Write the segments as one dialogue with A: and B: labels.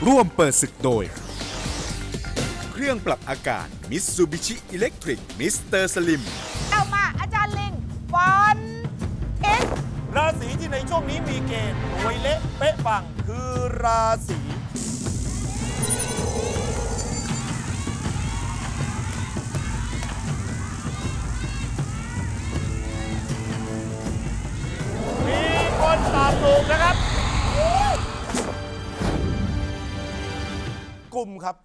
A: ร่วมเปิดศึกโดยเครื่องปรับอากาศ Mitsubishi Electric Mr. Slim
B: เอามาอาจารย์ลิงฟันเอ็ก
C: ราศีที่ในช่วงนี้มีเกณฑ์รวยเละเป๊ะปังคือราศีมีคนตอบถูกนะครับกลุ่มครับ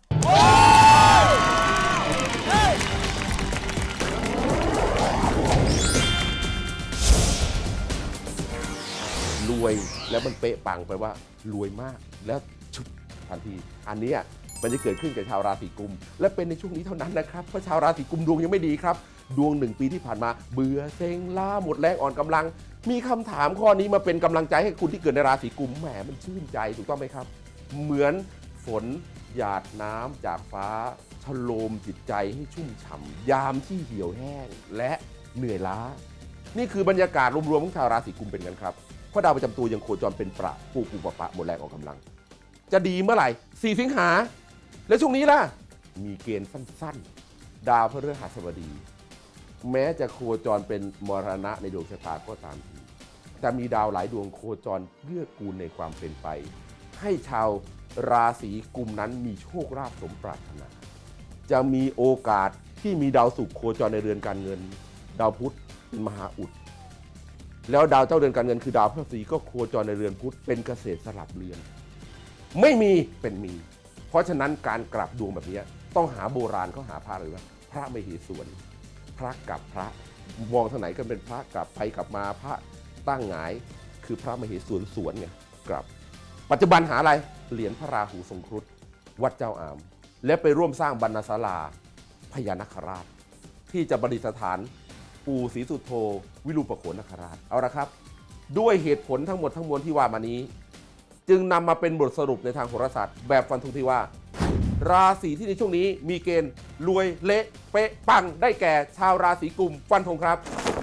D: รวยแล้วมันเป๊ะปังไปว่ารวยมากแล้วชุบทันทีอันนี้มันจะเกิดขึ้นกับชาวราศีกุมและเป็นในช่วงนี้เท่านั้นนะครับเพราะชาวราศีกุมดวงยังไม่ดีครับดวง1 ปีที่ผ่านมาเบื่อเซ็งล้าหมดแรงอ่อนกำลังมีคำถามข้อนี้มาเป็นกำลังใจให้คุณที่เกิดในราศีกุมแหมมันชื่นใจถูกต้องไหมครับเหมือนฝนหยาดน้ำจากฟ้าชโลมจิตใจให้ชุ่มฉ่ำยามที่เหี่ยวแห้งและเหนื่อยล้านี่คือบรรยากาศรวมๆของชาวราศีกุมเป็นกันครับเพราะดาวประจำตัวยังโคจรเป็นประปูปะหมดแรงออกกำลังจะดีเมื่อไหร่4 สิงหาแล้วช่วงนี้ล่ะมีเกณฑ์สั้นๆดาวพฤหัสบดีแม้จะโคจรเป็นมรณะในดวงชะตาก็ตามทีแต่มีดาวหลายดวงโคจรเกื้อกูลในความเป็นไปให้ชาวราศีกุมนั้นมีโชคลาภสมปรารถนาจะมีโอกาสที่มีดาวศุกร์โคจรในเรือนการเงินดาวพุธเป็นมหาอุดแล้วดาวเจ้าเรือนการเงินคือดาวพฤหัสบดีก็โคจรในเรือนพุธเป็นเกษตรสลับเรือนไม่มีเป็นมีเพราะฉะนั้นการกลับดวงแบบนี้ต้องหาโบราณเขาหาพระเลยว่าพระมเหสวนพระกับพระมองทางไหนก็เป็นพระกลับไปกลับมาพระตั้งหงายคือพระมเหสวนสวนไงกลับปัจจุบันหาอะไรเหรียญพระราหูทรงครุฑวัดเจ้าอามและไปร่วมสร้างบรรณศาลาพญานาคราชที่จะประดิษฐานปู่ศรีสุโธวิรูปโขนนาคราชเอาละครับด้วยเหตุผลทั้งหมดทั้งมวลที่ว่ามานี้จึงนำมาเป็นบทสรุปในทางโหราศาสตร์แบบฟันธงที่ว่าราศีที่ในช่วงนี้มีเกณฑ์รวยเละเป๊ะปังได้แก่ชาวราศีกุมฟันธงครับ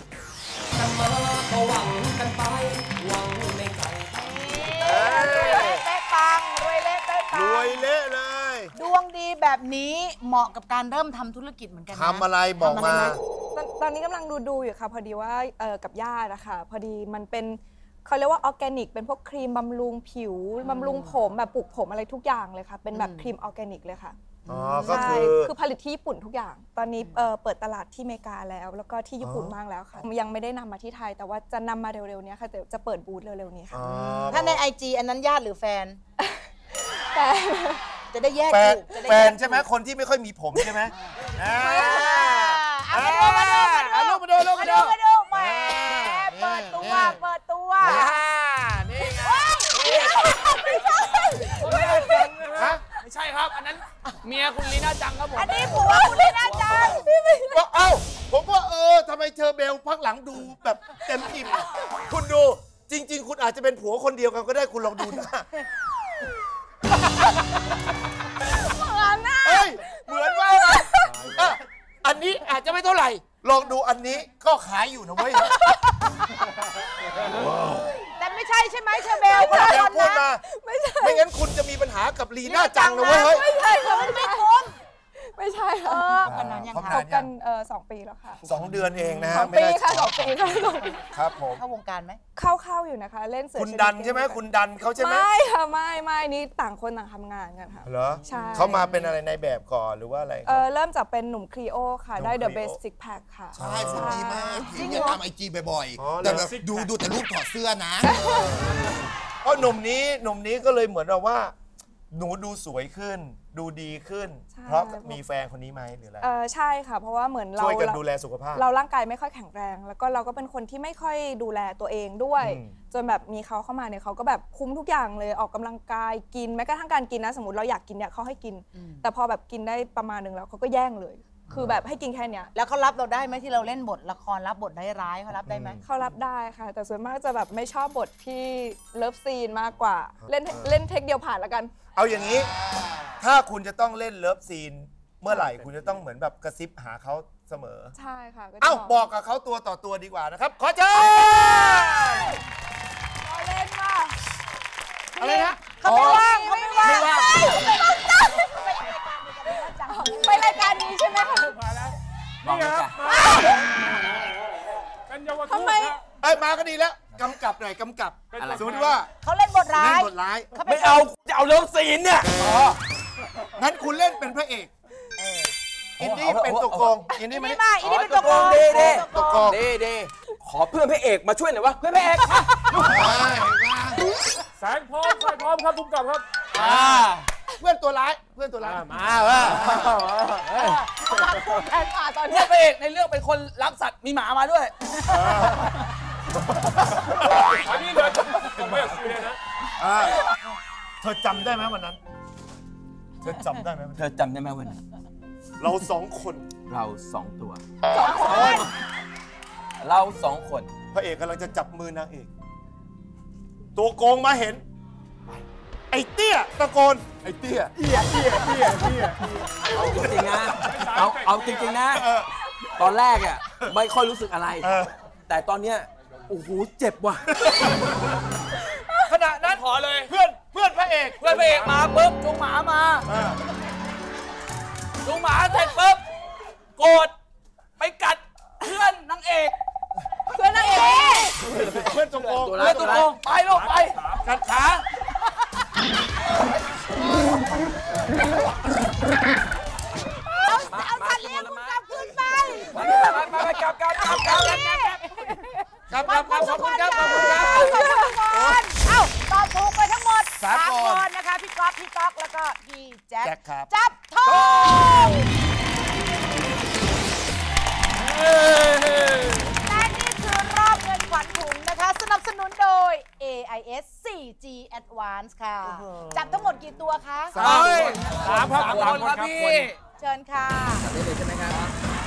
B: รวยเละเป๊ะปังรวยเละเป๊ะปัง
C: รวยเละเลย
B: ดวงดีแบบนี้เหมาะกับการเริ่มทำธุรกิจเหมือนกันนะ
C: ทำอะไรบอกมา
E: ตอนนี้กำลังดูอยู่ค่ะพอดีว่ากับญาตินะคะพอดีมันเป็นเขาเรียกว่าออร์แกนิกเป็นพวกครีมบำรุงผิวบำรุงผมแบบปลูกผมอะไรทุกอย่างเลยค่ะเป็นแบบครีมออร์แกนิกเลยค่ะ
C: ก็
E: คือผลิตที่ญี่ปุ่นทุกอย่างตอนนี้เปิดตลาดที่อเมริกาแล้วก็ที่ญี่ปุ่นบ้างแล้วค่ะยังไม่ได้นำมาที่ไทยแต่ว่าจะนำมาเร็วๆนี้ค่ะจะเปิดบูธเร็วๆนี้ค่ะ
B: ถ้าใน IG อันนั้นญาติหรือแฟนจะได้แยก
C: แฟนใช่ไหมคนที่ไม่ค่อยมีผมใช่ไหมมาดูแหมเปิด
B: ตัว
C: นี่ไง
F: ไม่ใช่ครับอันนั้นเมียคุณลีน่าจังครับผม
B: อันนี้ผัวคุณลีน่าจัง
C: เอ้าผมว่าทำไมเชอเบลพักหลังดูแบบเต็มอิ่มคุณดูจริงๆคุณอาจจะเป็นผัวคนเดียวกันก็ได้คุณลองดูนะเหมือนว่าอันนี้อาจจะไม่เท่าไหร่ลองดูอันนี้ก็ขายอยู่นะเว้ย
B: แต่ไม่ใช่ใช่ไหมเชอเบล
C: พูดมาไม่งั้นคุณจะมีปัญหากับลีน่าจังนะเว้ย
E: ไม่ใช่ค่ะ
B: ไม่คุ้ม
E: ไม่ใช่ค่ะ
B: กันนั้นยัง
E: คบกัน2 ปีแล้วค่ะ
C: 2 เดือนเองนะฮะ
E: 2 ปีค่ะ2 ปี
C: ครับผม
B: เข้าวงการไหม
E: เข้าอยู่นะคะเล่นเสือ
C: คุณดันใช่ไหมคุณดันเขาใช่ไหม
E: ไม่ค่ะไม่นี่ต่างคนต่างทำงานกันค่ะ
C: เหรอ
E: ใช่
C: เขามาเป็นอะไรในแบบก่อนหรือว่าอะไร
E: เริ่มจากเป็นหนุ่มครีโอค่ะได้ The Basic Pack ค่ะ
G: ใช่คุณดีมากจริงอย่าทำIGบ่อยๆแต่แบบดูแต่รูปถอดเสื้อนะ
C: เพราะหนุ่มนี้ก็เลยเหมือนเราว่าหนูดูสวยขึ้นดูดีขึ้นเพราะมีแฟนคนนี้ไหมหรืออะไร
E: ใช่ค่ะเพราะว่าเหมือนเรา
C: ช่วยกันดูแลสุขภาพ
E: เราร่างกายไม่ค่อยแข็งแรงแล้วก็เราก็เป็นคนที่ไม่ค่อยดูแลตัวเองด้วยจนแบบมีเขาเข้ามาเนี่ยเขาก็แบบคุ้มทุกอย่างเลยออกกำลังกายกินแม้กระทั่งการกินนะสมมติเราอยากกินเนี่ยเขาให้กินแต่พอแบบกินได้ประมาณนึงแล้วเขาก็แย่งเลยคือแบบให้กินแค่เนี้ย
B: แล้วเขารับเราได้ไหมที่เราเล่นบทละครรับบทร้ายเขารับได้ไหม
E: เขารับได้ค่ะแต่ส่วนมากจะแบบไม่ชอบบทที่เลิฟซีนมากกว่าเล่นเทคเดียวผ่านแล้วกัน
C: เอาอย่างนี้ถ้าคุณจะต้องเล่นเลิฟซีนเมื่อไหร่คุณจะต้องเหมือนแบบกระซิบหาเขาเสมอ
E: ใช่ค่ะ
C: เอ้าบอกกับเขาตัวต่อตัวดีกว่านะครับขอเชิญ
E: เราเล่นว่า
C: อะไรนะ
B: เขาไม่ว่าง
F: นี่ครับเป็นเยาวชน
E: ทำไม
C: เอ้ยมาก็ดีแล้วกำกับหน่อยกำกับสมมติว่า
B: เขาเล่นบทร้า
C: เล่น
B: ย
C: บทร้าย
F: ไม่เอาจะเอาเรื่องศีลเนี่ย
C: งั้นคุณเล่นเป็นพระเอกอินดี้เป็นตัวโกงอินดี้
B: อิน
C: ไม่
B: นี่
C: ได้
B: มาอินนี่เป็นตัวโกง
C: ตัวโกง
F: ดีขอเพื่อนพระเอกมาช่วยหน่อยวะเพื่อนพระเอก
H: แสงพร้อมไฟพร้อมครับทุกกับครับ
C: เพื่อนตัวร้ายเพื่อนตัวร้าย
F: มาว่ะ
B: แทนป่าตอน
F: เพื่
B: นี้
F: อนพระเอกในเรื่องเป็นคนรักสัตว์มีหมามาด้วย
H: อันนี้เลยผมไม่อยากคุยเลยนะ
C: เธอจำได้ไหมวันนั้น เธอจำได้ไหม
F: เธอจำได้ไหมวันนั้น
C: เราสองคน
F: เราสองตัวเราสองคน
C: พระเอกกำลังจะจับมือนางเอกตัวโกงมาเห็น ไอ้เตี้ยตะโกนไอ้เตี้ย
F: เอาจริงๆนะเอาจริงๆนะ ตอนแรกอ่ะไม่ค่อยรู้สึกอะไร แต่ตอนเนี้ยโอ้โหเจ็บว่ะ
C: ขณะนั้น
F: ขอเลย
C: เพื่อนพระเอก
F: เพื่อนพระเอกมาปุ๊บจูงหมามาจูงหมาเสร็จปุ๊บโกรธไปกัดเพื่อนนางเอก
E: เพื่อนนางเอก
C: เพื่อนตัวโกง
F: เพื่อนตัวโกงไปลูกไปกัดขา
B: เอาสัตว์เลี้ยงคุณกลับคืนไป
F: ไปกลับขอบคุณครับ
B: ขอบคุณครับเอ้าตอบถูกไปทั้งหมด3 คนนะคะ พี่ก๊อฟพี่ต๊อกแล้วก็พี่แจ็ค
C: ครับ
B: จับทองและนี่คือรอบเงินขวัญถุงนะคะ สนับสนุนโดย AIS 4G Advance ค่ะ จับทั้งหมดกี่ตัวคะ
H: สามคนครับพี่
B: เชิญค่ะ
F: ได้เลยใช่ไหมครับ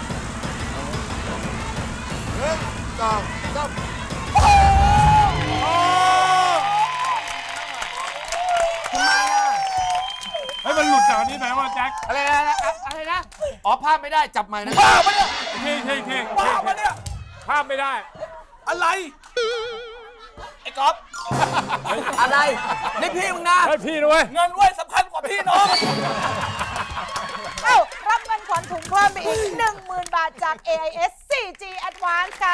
H: ให้มันหลุดจากนี้ไปว่าแจ็ค
C: อะไรนะอ๋อภาพไม่ได้จับใหม่นะ
F: บ้าปะเนี่ย
H: เท่ง
F: บ้าปะเนี่ย
H: ภาพไม่ได้
F: อะไรไอ้ก๊อฟอะไรนี่พี่มึงนะ
H: ให้พี่ด้วย
F: เงินไว้สำคัญกว่าพี่น้อง
B: เอ้ารับเงินขวัญถุงเพิ่มไปอีก 10,000 บาทจาก AIS 4G Advance ค่ะ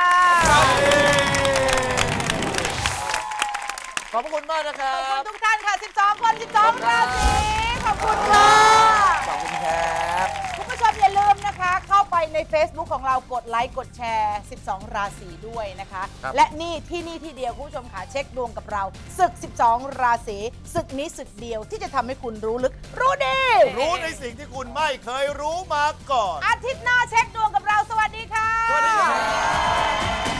C: ขอบคุณมากนะครั
B: ขอบคุณ
C: บ
B: ทุกท่านค่ะ 12 คน 12 ราศีขอบคุณค่ะ
F: ขอบคุณครับ
B: คุณผู้ชมอย่าลืมนะคะ เข้าไปใน Facebook ของเรากดไลค์กดแชร์ 12 ราศีด้วยนะคะ และนี่ที่เดียวคุณผู้ชมค่ะเช็คดวงกับเราศึก 12 ราศีศึกนี้ศึกเดียวที่จะทำให้คุณรู้ลึกรู้ดี
C: รู้ในสิ่งที่คุณไม่เคยรู้มาก่อน
B: อาทิตย์หน้าเช็คดวงกับเราสวัสดีค่ะ
C: สวัสดีครับ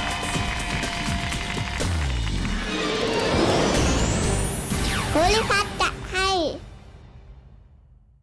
I: ภูริพัฒน์